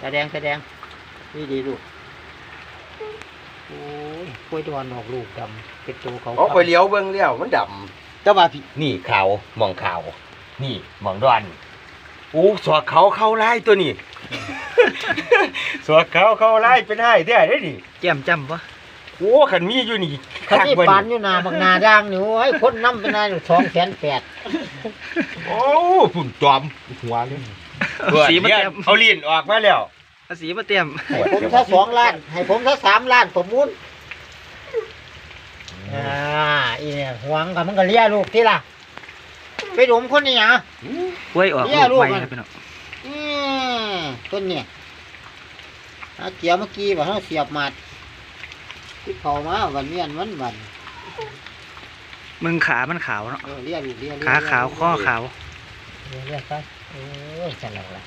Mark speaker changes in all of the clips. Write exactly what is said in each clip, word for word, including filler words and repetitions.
Speaker 1: ตาแดงตาแดงนี่ดีลูกโอ้ยกล้วยดอนออกลูกดำเป็นตัวเขา
Speaker 2: เอาไปเลี้ยวเบิ่งเลี้ยวมันดำแต่ว่าพี่นี่ขาวมองขาวนี่มองดอนอู้สวกเขาเข้าไล่ตัวนี้ สวกเขาเข้าไล่เป็นให้ได้ได้ดิ
Speaker 3: แจ่มจ้ำปะ
Speaker 2: โอ้ขันมีอยู่นี่
Speaker 1: ขันนี่ปานอยู่นาบักนาด่างนี่โอ้ยคนน้ำเป็นนายสองแสนแปด
Speaker 2: โอ้ฝุ่นจอมหัวเลย
Speaker 3: สีมาเต็ม
Speaker 2: เอาลิ้นออกมาแล้ว
Speaker 3: สีมาเต็ม
Speaker 1: ให้ผมซะสองล้านให้ผมซะสามล้านผมมุนอ่าอีเนี่ยหวงกับมันก็เลี้ยลูกที่ล่ะไปดมคนนี่หยัง
Speaker 3: กล้วยออกลูกใหม่นะพี่น้อง
Speaker 1: อืมต้นเนี่ยเอาเกี่ยวเมื่อกี้ว่าเขาเสียบหมัดที่เขามาวันเวียนวันวัน
Speaker 3: มึงขามันขาวเนาะ
Speaker 1: เออเลี้ยลูกเลี้ยเลี้ย
Speaker 3: ขาขาวข้อขาว
Speaker 1: เลี้ยเลี้ยไปโอ้ยจันหลักละ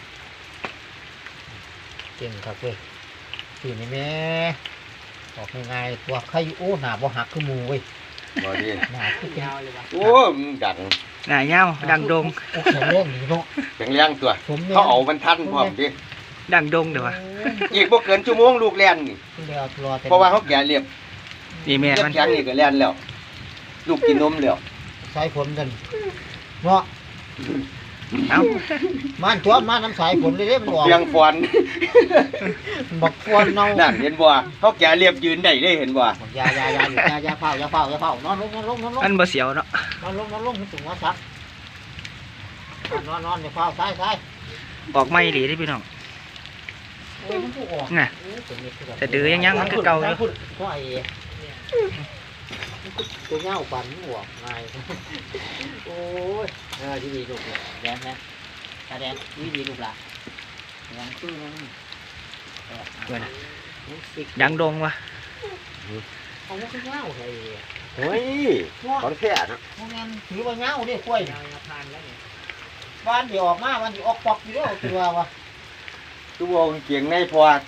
Speaker 1: เก่งครับเว้ยสี่นี่แม่ออกง่ายๆตัวใครโอ้หนาบ่หักคือหมูเว้ย
Speaker 2: บ่ดี
Speaker 1: หนาคือยาวเลยวะ
Speaker 2: โอ้มึงดัง
Speaker 3: หน้าเงาดังดง
Speaker 1: โอ้แข็งแรงดีเนาะ
Speaker 2: แข็งแรงตัว
Speaker 1: ผมนี่ย
Speaker 2: เขาเอามันทันพร้อมดิ
Speaker 3: ดังดงเดี๋ยววะ
Speaker 2: อีกบ่เกินชั่วโมงลูกแล่นนี่
Speaker 1: เดี๋ยวรอแต่
Speaker 2: เพราะว่าเขาแก่เรียบ
Speaker 3: นี่แม่
Speaker 2: เรียบ
Speaker 3: มัน
Speaker 2: แข็งนี่ก็แล่นแล้วลูกกินนมแล้ว
Speaker 1: สายฝนกันเนาะ
Speaker 3: เอ้า
Speaker 1: มันตัวมันน้ำสายฝนเลยเด้มันออก
Speaker 2: เพียงฟอน
Speaker 1: บักฟอนเนา
Speaker 2: นั่นเห็นบ่เขาแก่เรียบยืนได้ได้เห็นบ่
Speaker 1: ยายายายายายาเฝ้ายาเฝ้ายาเฝ้านอนลงนอนลงนอนลง
Speaker 3: อันบ่เสียวเนาะ
Speaker 1: นอนลงนอนลงถึงหัวซักนอนนอนอย่าเฝ้าซ้ายซ้าย
Speaker 3: ออกไม่ดีที่พี่น้อง
Speaker 1: โอ้ยมันผู้ออก
Speaker 3: น่ะแต่ดื้อยังยังมันก็เก่าอยู่
Speaker 1: ก็ไอ้ตัวเงาปันหัวง่ายโอ้ยเออดีดีลูกแดงนะตาแดงดีดีลูกละแดงคือมัน
Speaker 3: ด้วยนะดังดงวะ
Speaker 1: เอาว่าคือเงาเลย
Speaker 2: เฮ้ยของแท้นะ
Speaker 1: พวกนั้นถือว่าเงาเด้กล้วยบ้านเดี๋ยวออกมาวันที่ออกปอกอยู่แล้วคือว่าวะ
Speaker 2: ตัวเกียงในพอด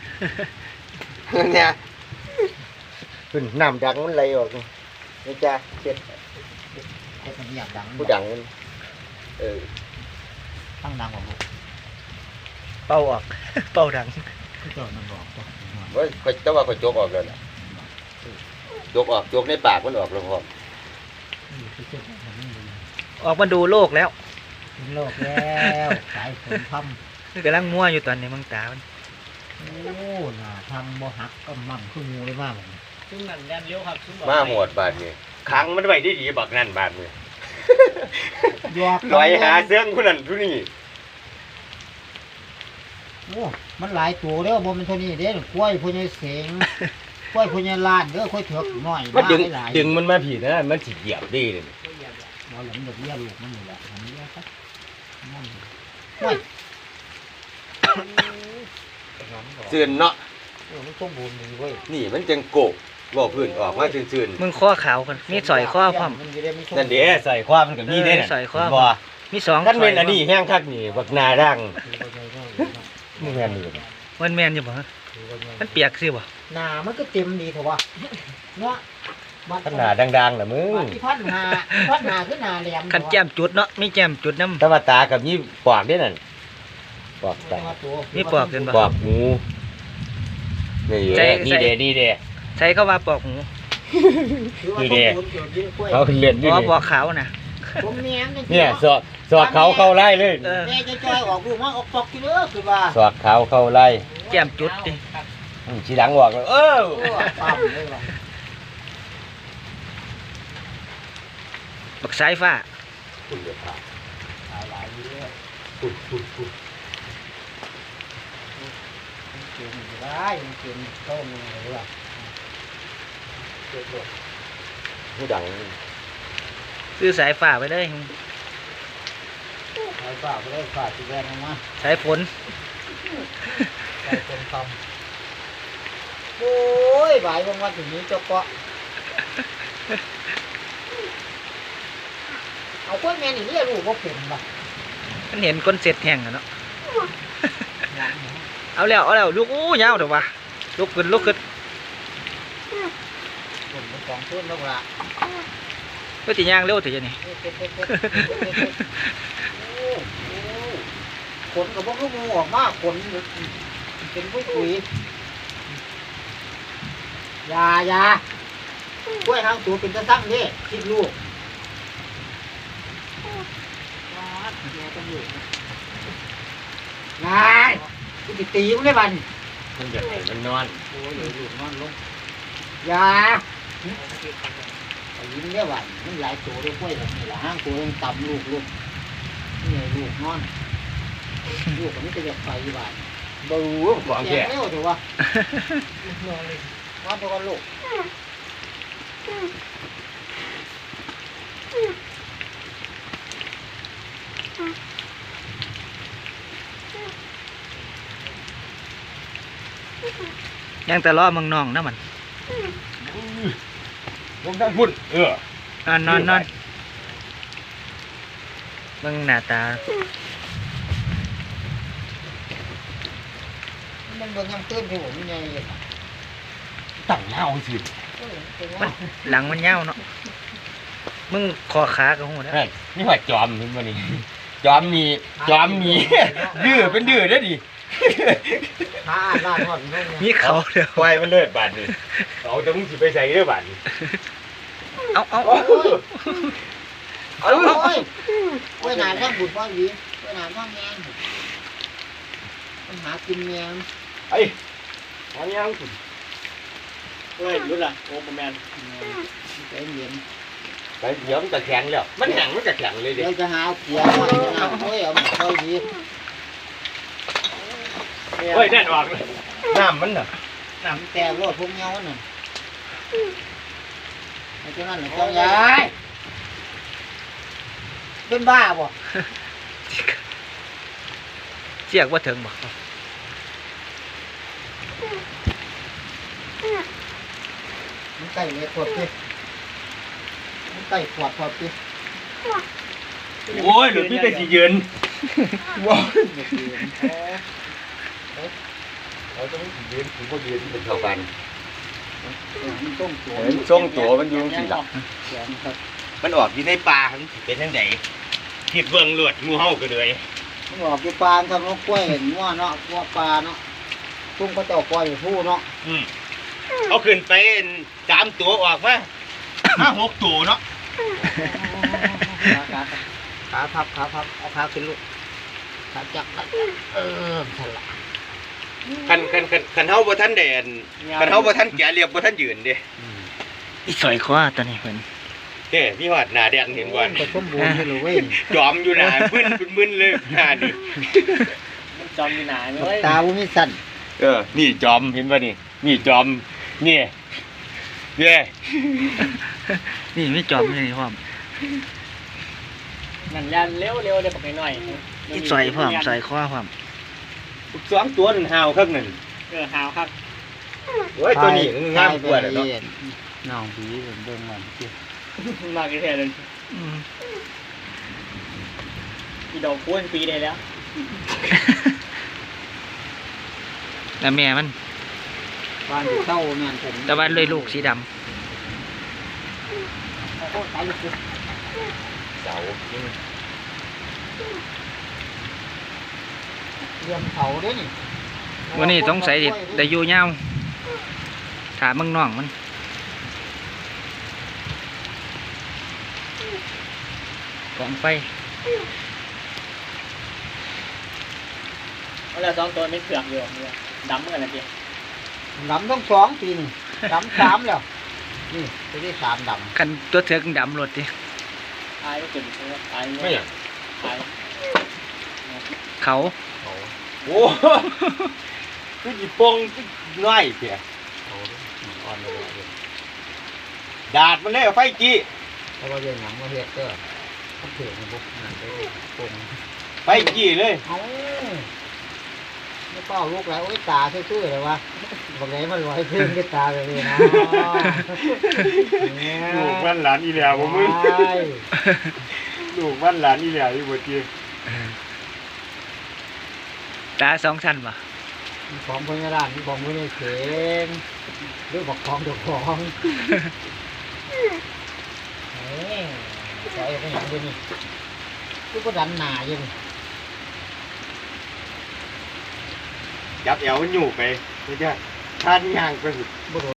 Speaker 2: เนี่ยขึ้นน้ำดังมันไหลออกนี่จ้าเช็ด
Speaker 1: ไอ้คนนี้อยากดัง
Speaker 2: ผู้ดังมันเออ
Speaker 1: ตั้งดังกว่าพวก
Speaker 3: เป่าออก เป่าดัง
Speaker 1: ที่เจ้ามันบอกตัว
Speaker 2: เฮ้ยข่อยแต่ว่าข่อยจกออกแล้วนะจกออกจกในปากมันออกแล้วพอ
Speaker 1: ที่เจ้ามันไม่ดี
Speaker 3: ออกมาดูโลกแล้ว
Speaker 1: โลกแล้วสายฝนทำ
Speaker 3: กำลังมั่วอยู่ตอนนี้มึงตามัน
Speaker 1: โอ้หน่าทำบ่หักก็มั่งคืองูเลยมาก
Speaker 3: ซึ่งนั่นแดนเลี้ยวครับซึ่ง
Speaker 2: มาหมดบาดนี่ขังมันไว้ดีๆบักนั่นบาดนี่
Speaker 1: ยอก
Speaker 2: ลอยหาเสื้องผู้นั้นผู้นี้
Speaker 1: โอ้มันหลายตัวแล้วบ่มันเท่านี้เด้กล้วยพวกนี้เสงกล้วยพวกนี้ลานเด้อกล้วยเถือกน้อย
Speaker 2: มันดึง
Speaker 1: หลาย
Speaker 2: ดึงมันมาผีนะมันสิเหยียบดีเลย
Speaker 1: บ่หลังดอกเบี้ยลูกมันนี่แหละอันนี้ครับนั่นโอ้ย
Speaker 2: เสื่อนเนาะ
Speaker 1: เออมันสมบูรณ์ดีเว้ย
Speaker 2: นี่มันจังโกกบ่พื้นออกมาซื่น
Speaker 3: มึงข้อขาวกันมีสอยข้อพร้อม
Speaker 2: ๆนั่นเด้ใส่ความมันก็มีได้น่ะ
Speaker 3: ใส่ความ
Speaker 2: บ่
Speaker 3: มีสอง
Speaker 2: คันเป็นอันนี้แห้งคักนี่บักนาดังมึงแม่นนี่
Speaker 3: มันแมนอยู่บ่ฮะมันเปียกสิบ่
Speaker 1: หนามันก็เต็มดีเถอะวะเนาะ
Speaker 2: ขนาดดังๆน่ะมึง
Speaker 1: ที่พันหาพันหาคือหนาแหลม
Speaker 3: ขันแก้มจุดเนาะมีแก้มจุดน้
Speaker 2: แต่ว่าตากับนี่ปอกเด้นั่นปอกตา
Speaker 3: ำมีปอกกันบ่
Speaker 2: ปอกหมูนี่เด้นี่เด้นี่เด้
Speaker 3: ใช้เข้าว่าปอกหู
Speaker 2: นี่เด้เขาเล่น
Speaker 3: อ๋
Speaker 2: นี่
Speaker 3: อ
Speaker 2: เด้
Speaker 3: ปอกขาวน่ะ
Speaker 1: ผมเนียง
Speaker 2: เนี่ยสอดสอดเขาเข้าไล่เลย
Speaker 3: เออ
Speaker 1: แม่จะจอยออกลูกมาออกปอกกี่เด้อคือว่า
Speaker 2: สอดเขาเข้าไล่
Speaker 3: แก้มจุดดิ
Speaker 2: อืมทีหลังบอกเลยเออ
Speaker 1: โอ้ปั๊มเลยว่ะ
Speaker 3: บักสายฟ้า
Speaker 2: คุณเดือดร้อน
Speaker 1: หลายหลายอยู่เด้อ
Speaker 2: คุณคุณคุณ
Speaker 1: มันเก่งอยู่ได้มันเก่งโต้มึงเลยว่ะเกิดหลด
Speaker 2: ผู้ดัง
Speaker 3: ซื้อสายฟ้าไปเลย
Speaker 1: หลายฝ่าไปเลยฝ่าสิแวนออกมา
Speaker 3: สายฝน
Speaker 1: ใส่เป็นคำโอ้ยบ่ายวันวันถึงนี้เจ้าเกาะเอากล้วยแม่นี่เรียกลูกว่าเป็นป่ะ
Speaker 3: มันเห็นก้นเสร็จแห้งอะเนาะเอาแล้วเอาแล้วลูกอู้ยาวเดี๋ยววะลุกขึ้นลุกขึ้น
Speaker 1: ผมเป็นสองต้นแล้วล่ะ
Speaker 3: ก็ตีย่างเร็วเถอะนี่
Speaker 1: โอ้โหขนกับพวกลูกงูออกมาขนเป็นปุ้ยปุยยายากล้วยทางตัวเป็นตะสั่งนี่คิดลูกนายกูจะตีมึงได้บัน
Speaker 2: มันอยากให้มันนอน
Speaker 1: โอ้ยเดี๋ยวลูกนอนลงยาไปยิ้มได้บันมันหลายตัวด้วยกล้วยแบบนี้ละห้างตัวยังต่ำลูกลูกนี่ไงลูกนอนลูกคนนี้จะอยากไปบ้าน
Speaker 2: บู๊ของ
Speaker 1: แก่
Speaker 2: แก่
Speaker 1: เร็วถูกป่ะนอนตัวกันลูก
Speaker 3: ยังแต่ล้อมึงน้องนะมัน
Speaker 2: ลงด้านพุ่นเออน
Speaker 3: อนนอนนอนเบิ่งหน้าตา
Speaker 1: มันเบิ่งยังตื้นที่ผมยังไง
Speaker 2: ตั้งเงาสิ
Speaker 3: มันหลังมันยาวเนาะมึงคอขากับหูนะ
Speaker 2: เฮ้ยนี่ว่าจอมเห็นบ่นี่จอมมีจอมมีดื้อเป็นดื้อเด้อดิ
Speaker 1: ขาอ่านลาดหอดเบิ่ง
Speaker 3: มีเขาเดียว
Speaker 2: ควายมันเลิศบาดนี่เอาแต่มึงสิไปใส่เด้อบาดนี่
Speaker 3: เอาเอา
Speaker 1: โอ้
Speaker 3: เอา
Speaker 1: ย
Speaker 3: เอา
Speaker 1: โอ้ยโอ้ยนานทั้งบุญพ่อหวีโอ้ยนานทั้งแมงมันหากินแมง
Speaker 2: ไอ้อันยังคุณ
Speaker 1: เฮ้ยรู้ละโอ้ประมาณใจเย็น
Speaker 2: ไปเดี๋ยวมันจะแข็งแล้วมันแข็งมันจะแข็งเลยดิ
Speaker 1: เดี๋ยวจะหาเกียร์หน่อยนะโอ้ยเอาพ่อหวี
Speaker 2: เฮ้ยแน่นออกเลยน้ำมันน่ะ
Speaker 1: น้ำแต่รถพวกเงาน่ะไอ้เจ้านั่นแหละเจ้ายายเป็นบ้าบ่
Speaker 3: เจียกว่าถึงบ่
Speaker 1: มันไก่เลยขวดพี่มันไก่ขวดขวดพี่
Speaker 2: โอ้ยหรือพี่แต่สิยืนว้าวเราต้องสิยืนถึงพอยืนเป็นเท่ากัน
Speaker 1: มันต้มตัว
Speaker 2: เห็นทรงตัวมันอยู่สิล่ะ
Speaker 1: เสียงครับ
Speaker 2: มันออกอยู่ในป่ามันสิเป็นจังไดคิดเบิ่งเลือดงูเห่าก็เลย
Speaker 1: มันออกอยู่ปลาทำนกกล้วยเห็นว่าเนาะว่าปลาเนาะตุ้มก็จะออกปล่อยอยู่ผู้เนาะ
Speaker 2: อืมเอาขึ้นไปสามตัวออกมาห้าหกตัวเนาะ
Speaker 1: ขาขาพับขาพับเอาขาขึ้นลูกขาจับขาจับเออฉลาด
Speaker 2: คันคันคันคันเฮาบ่ทันแดนคันเฮาบ่ทันแก่เรียบบ่ทันยืนเด้
Speaker 3: อีสอยคอตัวนี้เพิ่น
Speaker 2: เด้พี่ฮอดหน้าแดงเห็นบ่
Speaker 1: ก็สมบูรณ์อยู่เลยเว้ย
Speaker 2: จอมอยู่หน้ามึนเป็นมึนเลยหน้านี่
Speaker 1: จอมอยู่ไหนเลยตาบุมิสั่น
Speaker 2: เออนี่จอมเห็นบ่นี่นี่จอมนี่เย้
Speaker 3: นี่ไม่จอมเลยพร้อม
Speaker 4: นั่นยันเร็วเร็วเดี๋ยวบอกหน่อย
Speaker 3: อีสอยพร้อมสอยคอพร้อม
Speaker 2: สองตัวนั่นหาวครับนั่น
Speaker 4: เออหาวครับ
Speaker 2: โอ้ยตัวนี้งามกว่าเนาะ
Speaker 1: น้องผีเบิ่งมันสิ
Speaker 4: มากกี่เท่าเลย
Speaker 3: อืม
Speaker 4: อีดอกคุ้นปีได้แล้ว
Speaker 3: แล้วแม่มัน
Speaker 1: บ้านอยู่เต้าแม่นผม
Speaker 3: แต่ว่าเลยลูกสีดำ
Speaker 1: โอ้โหตายลูก
Speaker 2: เสา
Speaker 1: เรื่องเขาเด้นี่
Speaker 3: วันนี้สงสัยสิได้อยู่ยาวถามมึงน้องมันกองไฟ
Speaker 4: แล้วสองตัวไม่เผือกอยู่ดำเหมือนกันนะพี่
Speaker 1: ดำต้องสองปีนี่ดำสามแล้วนี่จะได้สามดำ
Speaker 3: กันตัวเถือกดำรถดิ
Speaker 4: ตายก็เกิดตาย
Speaker 2: ไม่อย่าง
Speaker 4: ตาย
Speaker 3: เขา
Speaker 2: โอ้คืออีปงคือน้อยเพีย
Speaker 1: อ่อนเลย
Speaker 2: ดาดมันเลยไฟจี้
Speaker 1: เพราะว่าเรื่องหนังมาเฮ็ดก็เขาเถื่อนบุกนั่นไปปง
Speaker 2: ไฟจี้เลย
Speaker 1: เอาไม่เป้าลูกแล้วโอ้ยตาซื่อๆเลยวะบอกไหนมันลอยขึ้นก็ตาเลยนะ
Speaker 2: ลูกบ้านหลานอีเหลียวบ่มึง
Speaker 1: ใช่
Speaker 2: ลูกบ้านหลานอีเหลียวอยู่บ่จี
Speaker 3: ตาสองชั้นป่ะ
Speaker 1: มีของพญานาคมีของพญาเข็มหรือบอกของเดี๋ยวของเฮ้ยใส่ไปอย่างเดียวนี่คือก็ดันหนาอยู่นี่
Speaker 2: จับแอวมันอยู่ไปไม่ใช่ท่านย่างไป